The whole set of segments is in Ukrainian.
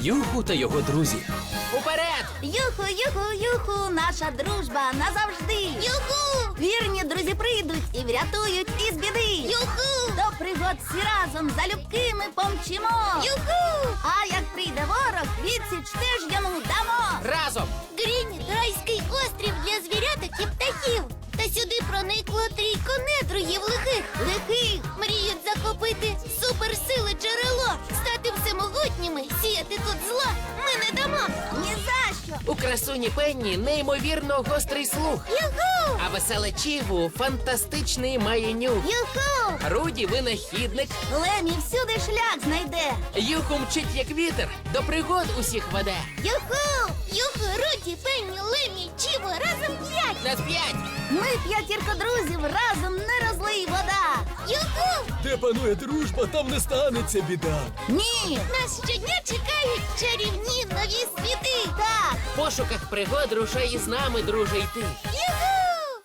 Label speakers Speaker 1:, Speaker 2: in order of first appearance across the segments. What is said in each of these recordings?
Speaker 1: Юху та його друзі.
Speaker 2: Уперед!
Speaker 3: Юху, юху, юху, наша дружба назавжди. Юху! Вірні друзі прийдуть і врятують із біди. Юху! До пригод всі разом залюбки ми помчимо. Юху! А як прийде ворог, відсіч теж йому дамо.
Speaker 2: Разом!
Speaker 4: Грініт – райський острів для звіряток і птахів. Та сюди проникло трійко недругів лихих. Мріють захопити суперсили джерело, стати всемогутніми, сіяти тут зло ми не дамо.
Speaker 3: Ні за що.
Speaker 2: У красуні Пенні неймовірно гострий слух.
Speaker 4: Юху!
Speaker 2: А веселе Чігу фантастичний має нюх.
Speaker 3: Юху!
Speaker 2: Руді винахідник.
Speaker 3: Лемі всюди шлях знайде.
Speaker 2: Юху мчить як вітер, до пригод усіх веде.
Speaker 3: Юху!
Speaker 4: Юху, Руді, Пенні, Лемі, Чіво, разом 5!
Speaker 2: На 5!
Speaker 3: Ми п'ятірка друзів, разом не розлий вода.
Speaker 4: Юху!
Speaker 1: Де панує дружба, там не станеться біда.
Speaker 3: Ні!
Speaker 4: Нас щодня чекають чарівні нові світи!
Speaker 3: Так!
Speaker 2: В пошуках пригод рушай із нами, друже, йти.
Speaker 4: Юху!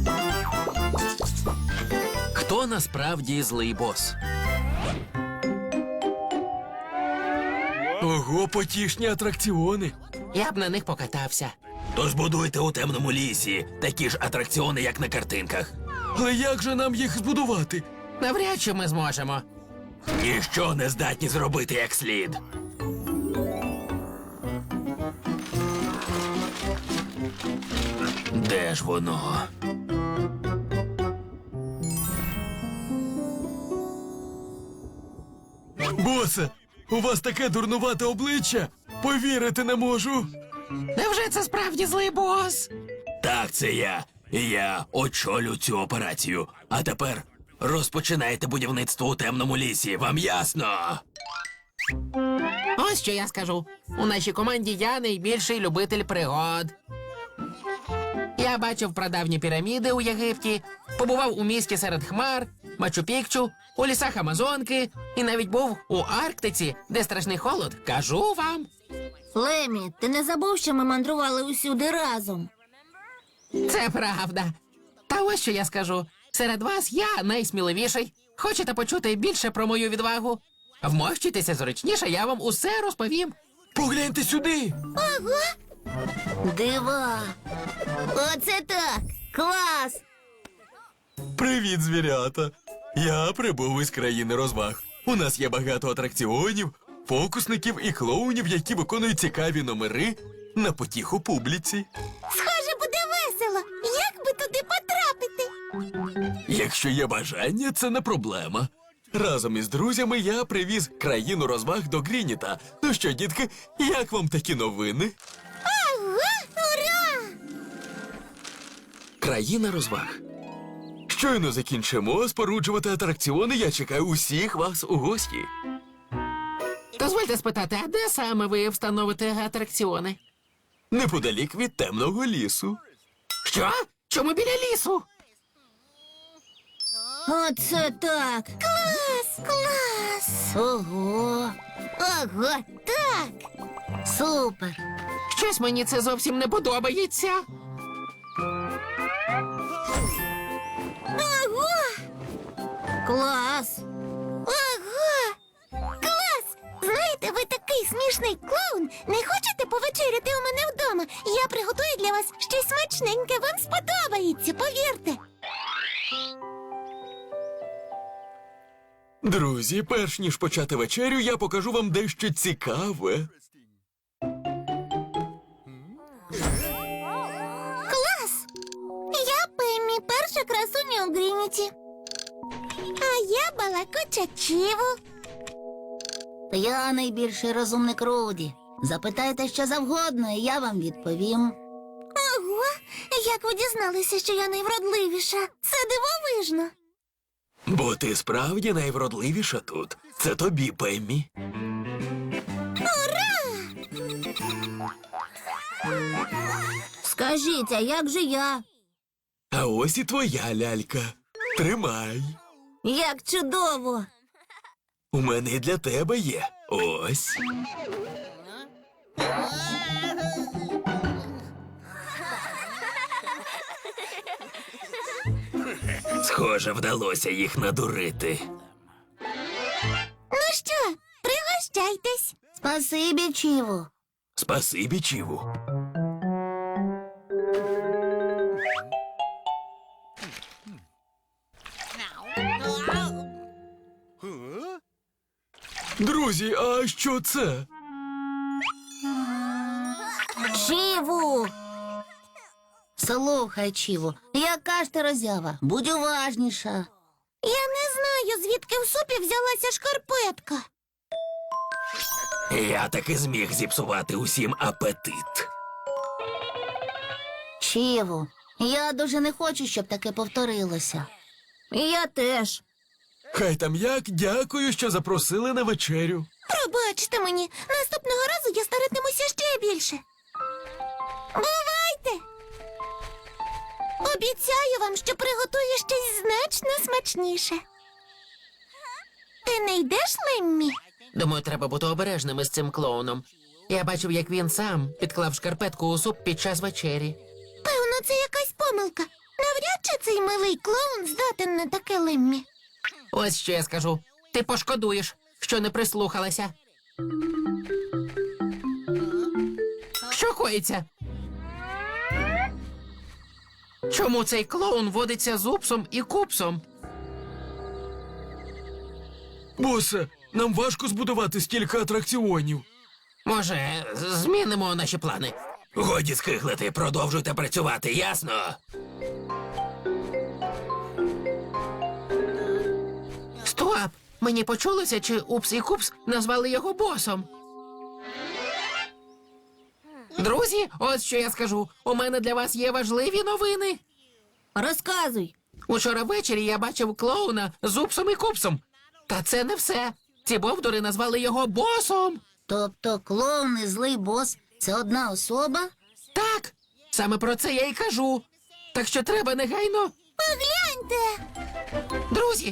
Speaker 1: Хто насправді злий бос? Ого, потішні атракціони.
Speaker 2: Я б на них покатався.
Speaker 1: То збудуйте у темному лісі такі ж атракціони, як на картинках. Але як же нам їх збудувати?
Speaker 2: Навряд чи ми зможемо.
Speaker 1: Ніщо не здатні зробити як слід. Де ж воно? Босе, у вас таке дурнувате обличчя. Повірити не можу.
Speaker 2: Невже це справді злий бос?
Speaker 1: Так, це я. І я очолю цю операцію. А тепер розпочинайте будівництво у темному лісі. Вам ясно?
Speaker 2: Ось що я скажу. У нашій команді я найбільший любитель пригод. Я бачив прадавні піраміди у Єгипті, побував у місті серед хмар, Мачу-Пікчу, у лісах Амазонки і навіть був у Арктиці, де страшний холод. Кажу вам.
Speaker 4: Лемі, ти не забув, що ми мандрували усюди разом?
Speaker 2: Це правда. Та ось що я скажу. Серед вас я найсміливіший. Хочете почути більше про мою відвагу? Вмощуйтеся зручніше, я вам усе розповім.
Speaker 1: Погляньте сюди.
Speaker 4: Дива! Оце так! Клас!
Speaker 1: Привіт, звірята. Я прибув із країни розваг. У нас є багато атракціонів, фокусників і клоунів, які виконують цікаві номери на потіху публіці.
Speaker 4: Схоже, буде весело! Як би туди потрапити?
Speaker 1: Якщо є бажання, це не проблема. Разом із друзями я привіз країну розваг до Грініта. Ну що, дітки, як вам такі новини?
Speaker 4: Ага! Ура!
Speaker 1: Країна розваг. Щойно закінчимо споруджувати атракціони, я чекаю усіх вас у гості.
Speaker 2: Дозвольте спитати, а де саме ви встановите атракціони?
Speaker 1: Неподалік від темного лісу.
Speaker 2: Що? Чому біля лісу?
Speaker 4: Оце так! Клас! Клас! Ого! Ого! Так! Супер!
Speaker 2: Щось мені це зовсім не подобається.
Speaker 4: Ого! Клас! Ого! Клас! Знаєте, ви такий смішний клоун. Не хочете повечеряти у мене вдома? Я приготую для вас щось смачненьке. Вам сподобається, повірте.
Speaker 1: Друзі, перш ніж почати вечерю, я покажу вам дещо цікаве.
Speaker 4: Клас! Я Пеммі, перша красуня у Грініті. А я балакуча Чіву.
Speaker 3: Я найбільший розумник Руді. Запитайте що завгодно, і я вам відповім.
Speaker 4: Ого! Як ви дізналися, що я найвродливіша? Це дивовижно.
Speaker 1: Бо ти справді найвродливіша тут. Це тобі, Пеммі.
Speaker 3: Скажіть, а як же я?
Speaker 1: А ось і твоя лялька. Тримай.
Speaker 3: Як чудово!
Speaker 1: У мене і для тебе є. Ось. Схоже, вдалося їх надурити.
Speaker 4: Ну що, пригощайтесь.
Speaker 3: Спасибі, Чіву.
Speaker 1: Спасибі, Чіву. Друзі, а що це?
Speaker 3: Чіву! Слухай, Чіву, яка ж ти роззява? Будь уважніша.
Speaker 4: Я не знаю, звідки в супі взялася шкарпетка.
Speaker 1: Я таки зміг зіпсувати усім апетит.
Speaker 3: Чіву, я дуже не хочу, щоб таке повторилося. Я теж.
Speaker 1: Хай там як, дякую, що запросили на вечерю.
Speaker 4: Пробачте мені, наступного разу я старатимуся ще більше. Бувайте! Обіцяю вам, що приготую щось значно смачніше. Ти не йдеш, Леммі?
Speaker 2: Думаю, треба бути обережними з цим клоуном. Я бачив, як він сам підклав шкарпетку у суп під час вечері.
Speaker 4: Певно, це якась помилка. Навряд чи цей милий клоун здатен на таке, Леммі.
Speaker 2: Ось що я скажу. Ти пошкодуєш, що не прислухалася. Що коїться? Чому цей клоун водиться з упсом і купсом?
Speaker 1: Босе, нам важко збудувати стільки атракціонів.
Speaker 2: Може, змінимо наші плани?
Speaker 1: Годі скиглити, продовжуйте працювати, ясно?
Speaker 2: Стоп! Мені почулося, чи Упс і Купс назвали його босом. Друзі, ось що я скажу. У мене для вас є важливі новини.
Speaker 3: Розказуй.
Speaker 2: Учора ввечері я бачив клоуна з Упсом і Купсом. Та це не все. Ці бовдури назвали його босом.
Speaker 3: Тобто клоун і злий бос – це одна особа?
Speaker 2: Так, саме про це я й кажу. Так що треба негайно.
Speaker 4: Погляньте!
Speaker 2: Друзі,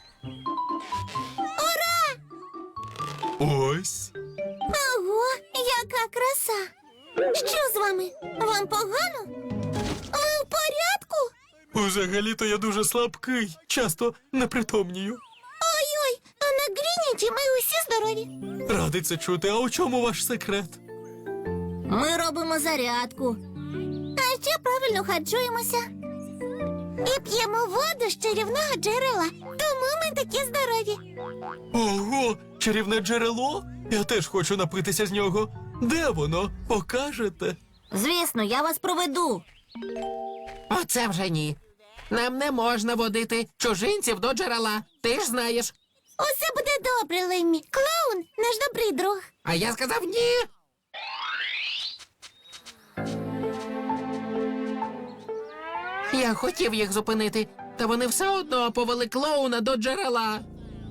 Speaker 1: Ось.
Speaker 4: Ого, яка краса! Що з вами? Вам погано? Ви в порядку?
Speaker 1: Взагалі-то я дуже слабкий, часто непритомнію.
Speaker 4: Ой-ой, а на Грініті ми усі здорові.
Speaker 1: Радий це чути, а у чому ваш секрет?
Speaker 3: Ми робимо зарядку.
Speaker 4: А ще правильно харчуємося. І п'ємо воду з чарівного джерела. Тому ми такі здорові.
Speaker 1: Ого, чарівне джерело? Я теж хочу напитися з нього. Де воно? Покажете?
Speaker 3: Звісно, я вас проведу.
Speaker 2: оце вже ні. Нам не можна водити чужинців до джерела. Ти ж знаєш.
Speaker 4: Усе буде добре, Леммі. Клоун – наш добрий друг.
Speaker 2: А я сказав ні. Я хотів їх зупинити, та вони все одно повели клоуна до джерела.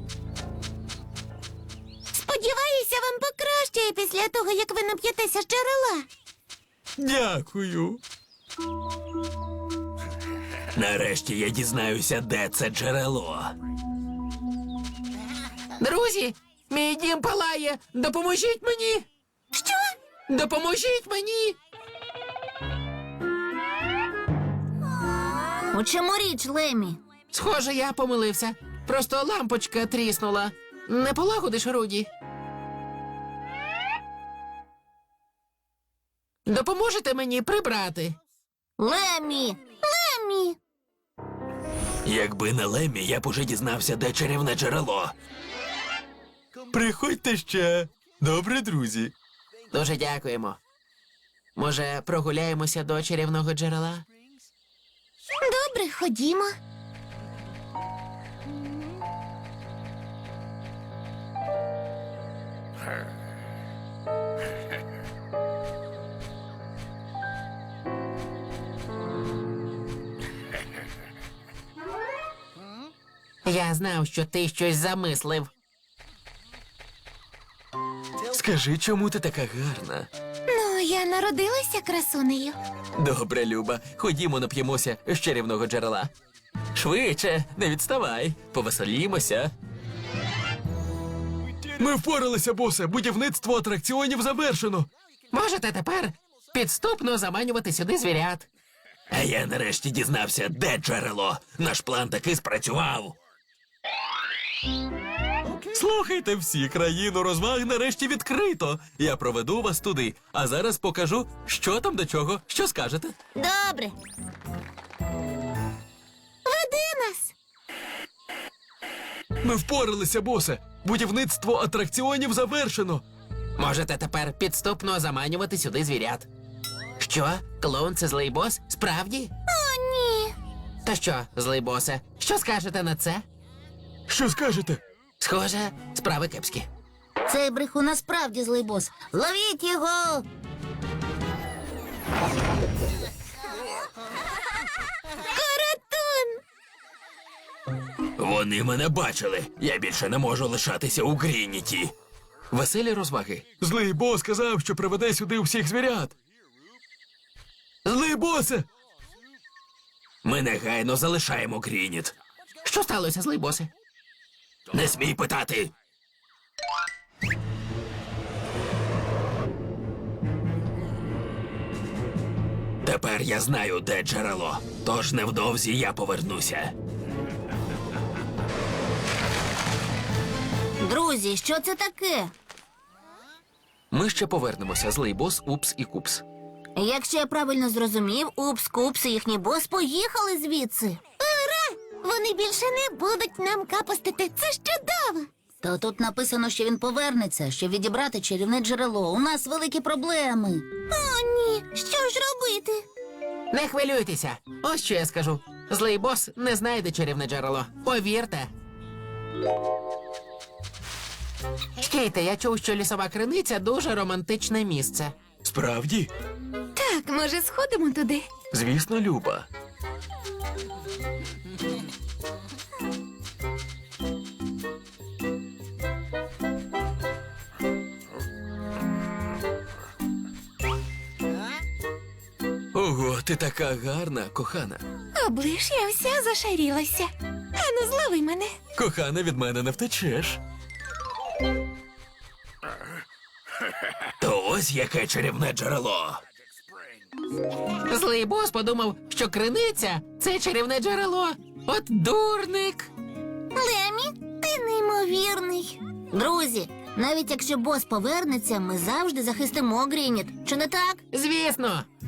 Speaker 4: Сподіваюся, вам покращає після того, як ви нап'єтеся з джерела.
Speaker 1: Дякую. Нарешті я дізнаюся, де це джерело.
Speaker 2: Друзі, мій дім палає. Допоможіть мені.
Speaker 4: Що?
Speaker 2: Допоможіть мені.
Speaker 3: У чому річ, Лемі?
Speaker 2: Схоже, я помилився. Просто лампочка тріснула. Не полагодиш, Руді? Допоможете мені прибрати?
Speaker 3: Лемі!
Speaker 4: Леммі!
Speaker 1: Якби не Леммі, я б уже дізнався, де чарівне джерело. Приходьте ще. Добре, друзі.
Speaker 2: Дуже дякуємо. Може, прогуляємося до чарівного джерела?
Speaker 4: Добре, ходімо.
Speaker 2: Я знав, що ти щось замислив.
Speaker 1: Скажи, чому ти така гарна?
Speaker 4: Ну, я народилася красунею.
Speaker 1: Добре, Люба, ходімо нап'ємося з чарівного джерела. Швидше, не відставай, повеселімося. Ми впоралися, босе. Будівництво атракціонів завершено.
Speaker 2: Можете тепер підступно заманювати сюди звірят.
Speaker 1: А я нарешті дізнався, де джерело. Наш план таки спрацював. Слухайте всі, країну розваг нарешті відкрито. Я проведу вас туди, а зараз покажу, що там до чого. Що скажете?
Speaker 4: Добре. Веди нас.
Speaker 1: Ми впоралися, босе. Будівництво атракціонів завершено.
Speaker 2: Можете тепер підступно заманювати сюди звірят. Що? Клоун це злий бос? Справді?
Speaker 4: О, ні.
Speaker 2: То що, злий босе, що скажете на це?
Speaker 1: Що скажете?
Speaker 2: Схоже, справи кепські.
Speaker 3: Цей брехун насправді злий бос. Ловіть його!
Speaker 4: Каратун.
Speaker 1: Вони мене бачили. Я більше не можу лишатися у Грініті.
Speaker 2: Веселі розваги.
Speaker 1: Злий бос сказав, що приведе сюди всіх звірят. Злий босе! Ми негайно залишаємо Грініт.
Speaker 2: Що сталося, злий босе?
Speaker 1: Не смій питати. Тепер я знаю, де джерело. Тож невдовзі я повернуся.
Speaker 3: Друзі, що це таке?
Speaker 2: Ми ще повернемося, злий бос, Упс і Купс.
Speaker 3: Якщо я правильно зрозумів, Упс, Купс і їхній бос поїхали звідси.
Speaker 4: Ура! Вони більше не будуть нам капостити. Це ж чудово.
Speaker 3: Та тут написано, що він повернеться, щоб відібрати чарівне джерело. У нас великі проблеми.
Speaker 4: О, ні. Що ж робити?
Speaker 2: Не хвилюйтеся. Ось що я скажу. Злий бос не знайде чарівне джерело. Повірте. Стійте, я чув, що лісова криниця дуже романтичне місце.
Speaker 1: Справді?
Speaker 4: Так, може, сходимо туди?
Speaker 1: Звісно, Люба. Ого, ти така гарна, кохана.
Speaker 4: Оближ, я вся зашарілася. Ану, злови мене.
Speaker 1: Кохана, від мене не втечеш. То ось яке чарівне джерело.
Speaker 2: Злий бос подумав, що криниця це чарівне джерело. От дурник.
Speaker 4: Лемі, ти неймовірний.
Speaker 3: Друзі, навіть якщо бос повернеться, ми завжди захистимо Грініт. Чи не так?
Speaker 2: Звісно.